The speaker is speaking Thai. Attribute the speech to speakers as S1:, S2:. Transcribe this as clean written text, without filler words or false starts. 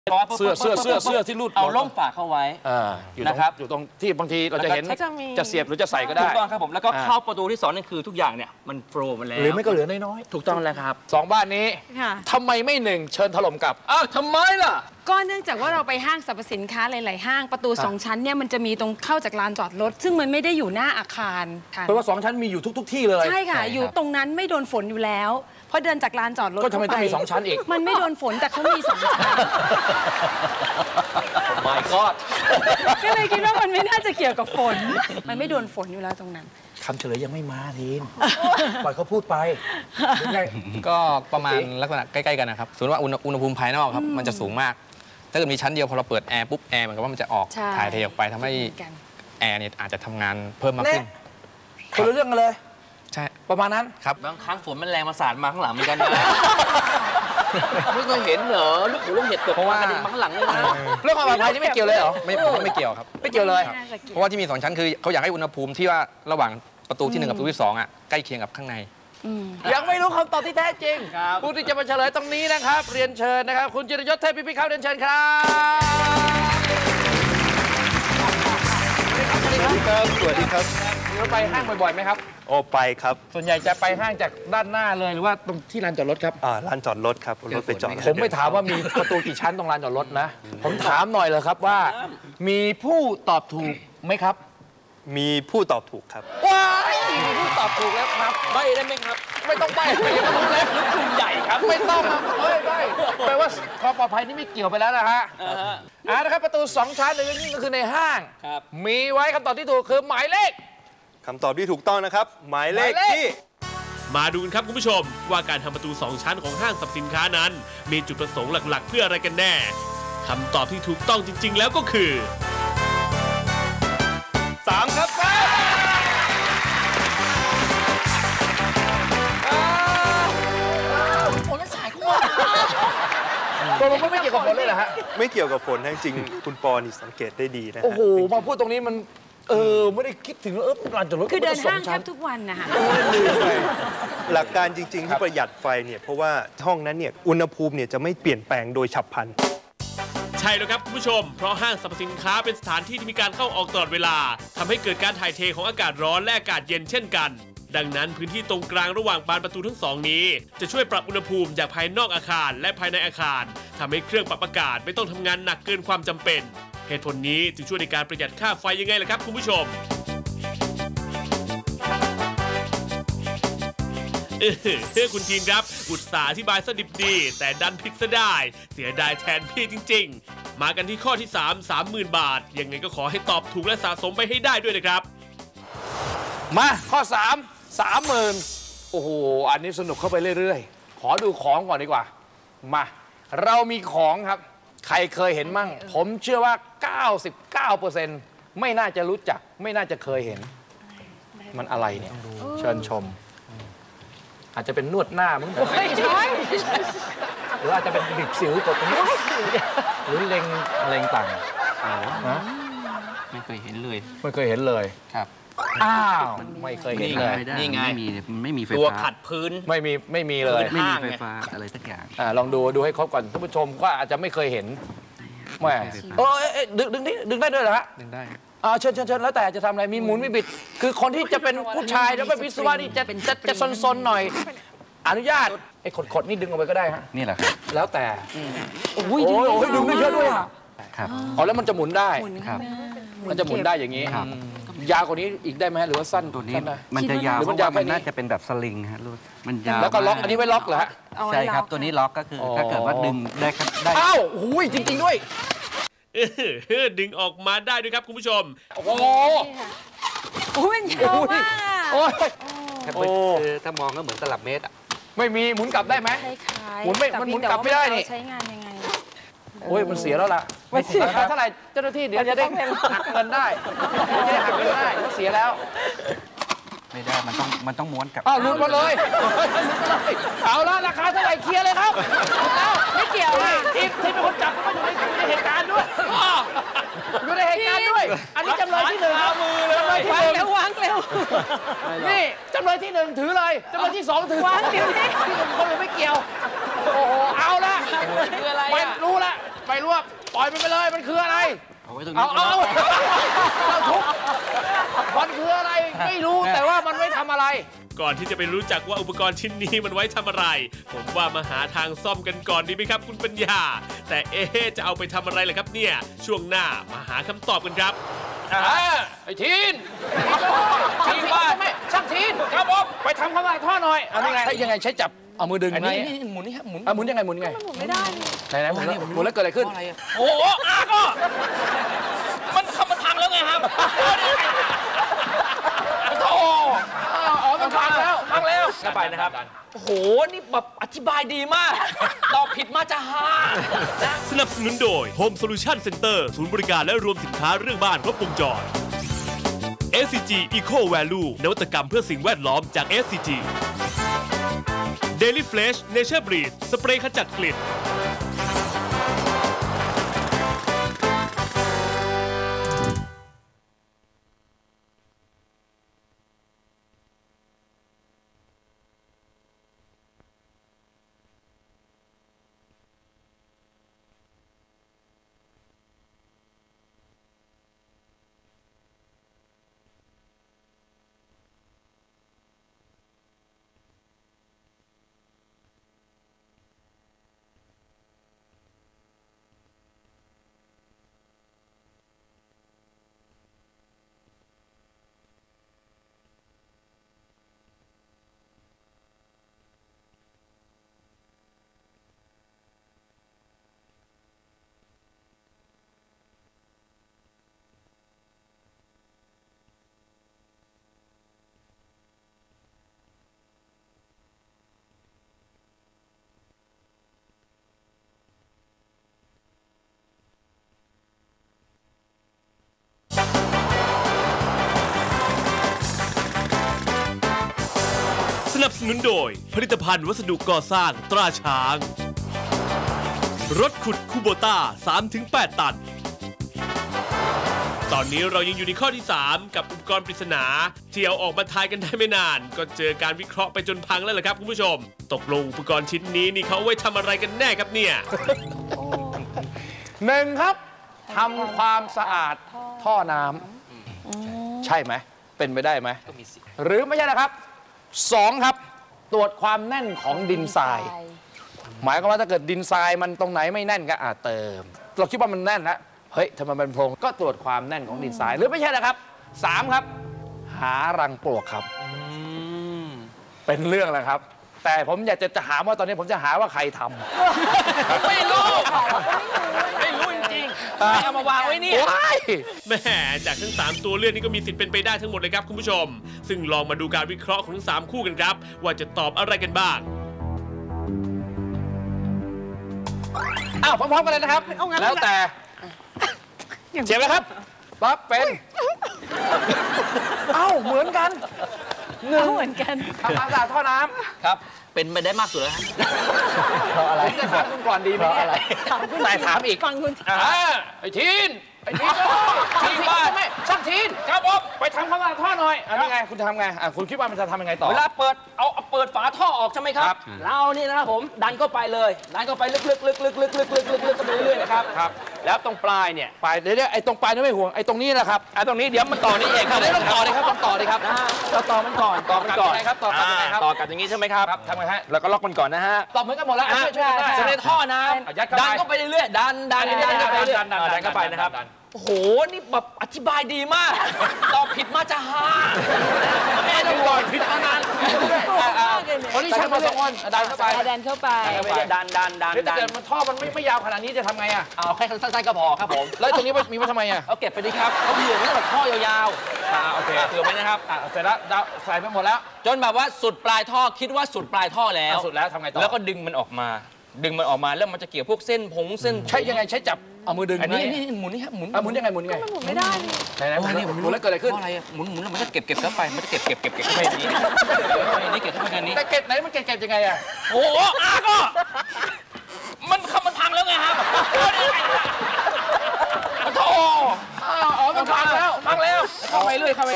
S1: เสื้อที่รูด
S2: เอาล่มฝากเข้าไว้
S1: นะครับอยู่ตรงที่บางทีเราจะเห็นจะเสียบหรือจะใส่ก็ได้
S2: ถูกต้องครับผมแล้วก็เข้าประตูที่2นั่นคือทุกอย่างเนี่ยมันโฟล์มาแล้ว
S1: หรือไม่ก็เหลือน้อย
S2: ๆถูกต้องแล้วครับ
S1: 2บ้านนี้ทำไมไม่1เชิญถล่มกลับทำไมล่ะ
S3: ก็เนื่องจากว่าเราไปห้างสรรพสินค้าหลายๆห้างประตู2ชั้นเนี่ยมันจะมีตรงเข้าจากลานจอดรถซึ่งมันไม่ได้อยู่หน้าอาคาร
S1: เพราะว่า2ชั้นมีอยู่ทุกที่เลย
S3: ใช่ค่ะอยู่ตรงนั้นไม่โดนฝนอยู่แล้วเพราะเดินจากลานจอดรถ
S1: ก็ทำไมต้องมี2ชั้นอีก
S3: มันไม่โดนฝนแต่เขามี2ชั้น
S1: My God
S3: ก็เลยคิดว่ามันไม่น่าจะเกี่ยวกับฝนมันไม่โดนฝนอยู่แล้วตรงนั้น
S1: คำเฉลยยังไม่มาทีนปล่อยเขาพูดไป
S4: ก็ประมาณลักษณะใกล้ๆกันนะครับสมมติว่าอุณหภูมิภายนอกครับมันจะสูงมากถ้าเกิดมีชั้นเดียวพอเราเปิดแอร์ปุ๊บแอร์เหมือนกับว่ามันจะออกถ่ายเทออกไปทำให้แอร์เนี่ยอาจจะทำงานเพิ่มมากขึ้น
S1: คนละเรื่องกันเลย
S4: ใช่
S1: ประมาณนั้น
S2: ครับบางครั้งฝนมันแรงมาสาดมาข้างหลังเหมือนกันนะไม่เคยเห็นเหรอลูกหูลูกเห็ดตกเพราะว่ามาข้างหลังเลยนะ
S1: เรื่องความปลอดภัยนี่ไม่เกี่ยวเลยเหรอ
S4: ไม่เกี่ยวครับ
S1: ไม่เกี่ยวเลย
S4: เพราะว่าที่มี2ชั้นคือเขาอยากให้อุณหภูมิที่ว่าระหว่างประตูที่1กับประตูที่2อ่ะใกล้เคียงกับข้างใน
S1: ยังไม่รู้คำตอบที่แท้จริงผู้ที่จะมาเฉลยตรงนี้นะครับเรียนเชิญนะครับคุณจิรยศเทพพิพิธเข้าเรียนเชิญครับ
S5: สวัสดีครับ
S1: เราไปห้างบ่อยๆไหมครับ
S5: โอ้ไปครับ
S1: ส่วนใหญ่จะไปห้างจากด้านหน้าเลยหรือว่าตรงที่ลานจอดรถครับ
S5: ลานจอดรถครับรถไปจอด
S1: ผมไม่ถามว่ามีประตูกี่ชั้นตรงลานจอดรถนะผมถามหน่อยเลยครับว่ามีผู้ตอบถูกไหมครับ
S5: มีผู้ตอบถูกครับ
S1: ว้ายมีผู้ตอบถูกแล้วครับ
S2: ใบได้ไหมครับ
S1: ไม่ต้องใบไม่ต้องรู้แล้ว
S2: กลุ่มใหญ่ครับ
S1: ไม่ต้องใบแปลว่าความปลอดภัยนี่ไม่เกี่ยวไปแล้วนะฮะนะครับประตู2ชั้นเลยนี่ก็คือในห้างมีไว้คำตอบที่ถูกคือหมายเลข
S5: คำตอบที่ถูกต้องนะครับหมายเลขที่
S6: มาดูกันครับคุณผู้ชมว่าการทำประตู2ชั้นของห้างสรรพสินค้านั้นมีจุดประสงค์หลักๆเพื่ออะไรกันแน่คำตอบที่ถูกต้องจริงๆแล้วก็คือ
S5: 3ครับ
S1: ฝนและสายกุ้งตัวลงไม่เกี่ยวกับฝนเลยเหรอฮะ
S5: ไม่เกี่ยวกับฝนจริงคุณปอนี่สังเกตได้ดีนะ
S1: โอ้โหมาพูดตรงนี้มันไม่ได้คิดถึงลานจอดรถ
S3: คือเดินห้างแทบทุกวันนะคะ
S5: หลักการจริงๆที่ประหยัดไฟเนี่ยเพราะว่าห้องนั้นเนี่ยอุณหภูมิเนี่ยจะไม่เปลี่ยนแปลงโดยฉับพลัน
S6: ใช่แล้วครับคุณผู้ชมเพราะห้างสรรพสินค้าเป็นสถานที่ที่มีการเข้าออกตลอดเวลาทำให้เกิดการถ่ายเทของอากาศร้อนและอากาศเย็นเช่นกันดังนั้นพื้นที่ตรงกลางระหว่างบานประตูทั้ง2นี้จะช่วยปรับอุณหภูมิจากภายนอกอาคารและภายในอาคารทำให้เครื่องปรับอากาศไม่ต้องทำงานหนักเกินความจำเป็นเหตุผลนี้จึงช่วยในการประหยัดค่าไฟยังไงล่ะครับคุณผู้ชมคุณทีมครับอุตส่าห์อธิบายสดิบดีแต่ดันผิดซะได้เสียดายแทนพี่จริงๆมากันที่ข้อที่30,000 บาทยังไงก็ขอให้ตอบถูกและสะสมไปให้ได้ด้วยนะครับ
S1: มาข้อ30,000โอ้โหอันนี้สนุกเข้าไปเรื่อยๆขอดูของก่อนดีกว่ามาเรามีของครับใครเคยเห็นมั่งผมเชื่อว่า 99% ไม่น่าจะรู้จักไม่น่าจะเคยเห็นมันอะไรเนี่ยเชิญชมอาจจะเป็นนวดหน้ามึงหรืออาจจะเป็นบิดสิวกดตรงนี้หรือเล็งต่าง
S2: ไม่เคยเห็นเลย
S1: ไม่เคยเห็นเลย
S2: ครับ
S1: อ้าวไม่เคยเห็นเลย
S2: นี่ไง
S4: ไม่มีไฟฟ้า
S2: ตัวขัดพื้น
S1: ไม่มีเลย
S4: ไม่มีไฟฟ้าอะไรสักอย่าง
S1: ลองดูให้ครบก่อนท่านผู้ชมก็อาจจะไม่เคยเห็นแม่ดึงได้ด้วยเหรอฮะ
S4: ดึงได้
S1: เชิญแล้วแต่จะทำอะไรมีหมุนมีบิดคือคนที่จะเป็นผู้ชายแล้วเป็นวิศวะนี่จะซนๆหน่อยอนุญาตไอ้ขดนี่ดึงออกไปก็ได้ฮะ
S4: นี่แหละครับ
S1: แล้วแต่โอ้ยดึงได้เยอะด้วย
S4: ครับ
S1: แล้วมันจะหมุนได้มันจะหมุนได้อย่างนี้
S4: ครับ
S1: ยาวกว่านี้อีกได้ไหมหรือว่าสั้น
S4: ตัวนี้มันจะยาวเพราะว่ามันน่าจะเป็นแบบสลิงฮะมันยาว
S1: แล้วก็ล็อกอันนี้ไว้ล็อกเหรอฮะ
S4: ใช่ครับตัวนี้ล็อกก็คือถ้าเกิดว่าดึงได้
S1: อ้าวหูยจริงๆด้วย
S6: ดึงออกมาได้ด้วยครับคุณผู้ชม
S1: โอ้โห
S3: มันยาวมาก
S4: ถ้ามองก็เหมือนตลับเมตร
S1: ไม่มีหมุนกลับได้ไหมหมุนกลับไม่ได้นี่
S3: ใช้งานยังไง
S1: โอ้ยมันเสียแล้วล่ะไม่เสียเท่าไหร่เจ้าหน้าที่เดี๋ยวจะได้หักเงินได้จะได้หักเงินได้เสียแล้ว
S4: ไม่ได้มันต้องม้วนกลับ
S1: หลุดมาเลยเอาละราคาเท่าไหร่เคลียร์เลยครับแล้ว
S3: ไม่เกี่ยว
S1: ทีมเป็นคนจับมันอยู่ในเหตุการณ์ด้วยอยู่ในเหตุการณ์ด้วยอันนี้จำเลยที่1จำเลยที่1
S3: วางเร็ว
S1: นี่จำเลยที่1ถือเลยจำเลยที่2ถือ
S3: วางเดี๋ยวนี้
S1: ที่1คนอื่นไม่เกี่ยวโอ้โหเอาละไม่รู้ละไม่รู้ว่าปล่อยมันไปเลยมันคืออะไร
S2: เอาไว้ตรงนี้
S1: เอาทุกมันคืออะไรไม่รู้แต่ว่ามันไม่ทำอะไร
S6: ก่อนที่จะไปรู้จักว่าอุปกรณ์ชิ้นนี้มันไว้ทำอะไร ผมว่ามาหาทางซ่อมกันก่อนดีไหมครับคุณปัญญา แต่จะเอาไปทำอะไรล่ะครับเนี่ยช่วงหน้ามาหาคำตอบกันครับ
S1: ไอ้ทีนทีนว่าไม่ช่างทีนครับผมไปทำความสะอาดท่อหน่อยยังไงใช้จับเอามือดึง
S2: อันนี้หมุนนี่ครับหมุน
S1: หมุนยังไงหมุนยังไง
S3: หมุนไม่ได้
S1: ไหนหมุนแล้วเกิดอะไรขึ้น
S2: โอ้โหก็มันพังแล้วไงครับ
S1: โอ้มันพังแล้วกลับไปนะครับ
S2: โอ้โห นี่แบบอธิบายดีมาก ตอบผิดมาจะหา
S6: สนับสนุนโดย Home Solution Center ศูนย์บริการและรวมสินค้าเรื่องบ้านครบวงจร SCG Eco Value นวัตกรรมเพื่อสิ่งแวดล้อมจาก SCG Daily Fresh Nature Breeze สเปรย์ขจัดกลิ่นสนับสนุนโดยผลิตภัณฑ์วัสดุก่อสร้างตราช้างรถขุดคูโบต้า 3-8 ตัน ตอนนี้เรายังอยู่ในข้อที่ 3 กับอุปกรณ์ปริศนาที่เอาออกมาทายกันได้ไม่นานก็เจอการวิเคราะห์ไปจนพังแล้วล่ะครับคุณผู้ชมตกลงอุปกรณ์ชิ้นนี้นี่เขาเอาไว้ทำอะไรกันแน่ครับเนี่ย
S1: 1 ครับทำความสะอาดท่อน้ำใช่ไหมเป็นไปได้ไหมหรือไม่ใช่นะครับ2 ครับตรวจความแน่นของดินทราย หมายความว่าถ้าเกิดดินทรายมันตรงไหนไม่แน่นก็เติมเราคิดว่ามันแน่นแล้วเฮ้ยทำไมมันโพรงก็ตรวจความแน่นของดินทรายหรือไม่ใช่นะครับ3 ครับหารังปลวกครับเป็นเรื่องแล้วครับแต่ผมอยากจะถามว่าตอนนี้ผมจะหาว่าใครทำ
S2: ไม่รู้จริงๆไม่เอามาวางไว้นี่
S6: แหม่จากทั้ง 3 ตัวเลือกนี้ก็มีสิทธิ์เป็นไปได้ทั้งหมดเลยครับคุณผู้ชมซึ่งลองมาดูการวิเคราะห์ของทั้ง 3 คู่กันครับว่าจะตอบอะไรกันบ้าง
S1: พร้อมๆกันเลยนะครับแล้วแต่เจ็บไหมครับปั๊บเป็นเหมือนกัน
S3: เหมือนกัน
S1: ทำความสะอาดท่อน้ำ
S2: ครับเป็นไปได้มากสุดแล้ว
S1: เพราะอะไรจะถามคุณก่อนดีไหมอะไรแต่ถามอีก
S3: ฟังคุณ
S1: ไอ้ทีนว่าไม่ช่างทีนครับผมไปทำความสะอาดท่อหน่อยนี่ไงคุณจะทำไงคุณคิดว่ามันจะทำยังไงต่อ
S2: เวลาเปิดเปิดฝาท่อออกใช่ไหมครับเรานี่นะครับผมดันเข้าไปเลยดันเข้าไปลึกกันไปเรื่อยๆนะครับแล้วตรงปลายเนี่ย
S1: เดี๋ยวไอ้ตรงปลายนี่ไม่ห่วงไอ้ตรงนี้แหละครับ
S2: ตรงนี้เดี๋ยวมันต่อนี่เองครับ
S1: ต้องต่อเลยครับต้องต่อเลยครับ
S2: เราต่อมันก่อน
S1: ครับต่อกันยังไงครับ
S2: ต่อกันอย่างนี้ใช่ไหมครับ
S1: ทำไงฮะ
S2: แล้วก็ล็อกมันก่อนนะฮะ
S1: ต่อเหมือนกันหมดแล้ว
S2: ช่วยจะในท่อน้ำดันเข้าไปเรื่อยๆดันเข้าไปนะครับโอ้โห นี่แบบอธิบายดีมาก ตอบผิดมาจะหาไม่ต้องตอบผิดมานาน
S1: คนที่ช่างมา2 คนดันเข้าไป
S3: ดันเข้าไป
S2: ดัน
S1: ถ้าเกิดมันท่อมันไม่ยาวขนาดนี้จะทำไง
S2: เอาแค่สั้นๆก็พอครับผม
S1: แล้วตรงนี้มีไว้ทำไม
S2: เอาเก็บไปดิครับเอาเผื่อไว้แบบท่อยาว
S1: ๆโอเค
S2: เผื่อไว้นะครับ
S1: เสร็จแล้วใส่ไปหมดแล้ว
S2: จนแบบว่าสุดปลายท่อคิดว่าสุดปลายท่อแล้ว
S1: สุดแล้วทำไงต่อ
S2: แล้วก็ดึงมันออกมาแล้วมันจะเกี่ยวพวกเส้น
S1: ใช่ยังไงใช้จับเอามือดึง
S2: อันนี้หมุนนี่ครับหมุน
S1: ยังไงหมุน
S3: ไม่ได้
S1: ไหนหมุนแล้วเกิดอะไรขึ้น
S2: อะไรหมุนแล้วมันก็เก็บเข้าไปมันจะเก็บเข้าไปนี้เก็บเข้าไปนี้
S1: แต่เก็บไหนมันเก็บยังไง
S2: โอ้โหก็มันพังแล้วไงครับโอ้
S1: มันพังแล้ว
S2: เข้าไปเรื่อยเข้าไป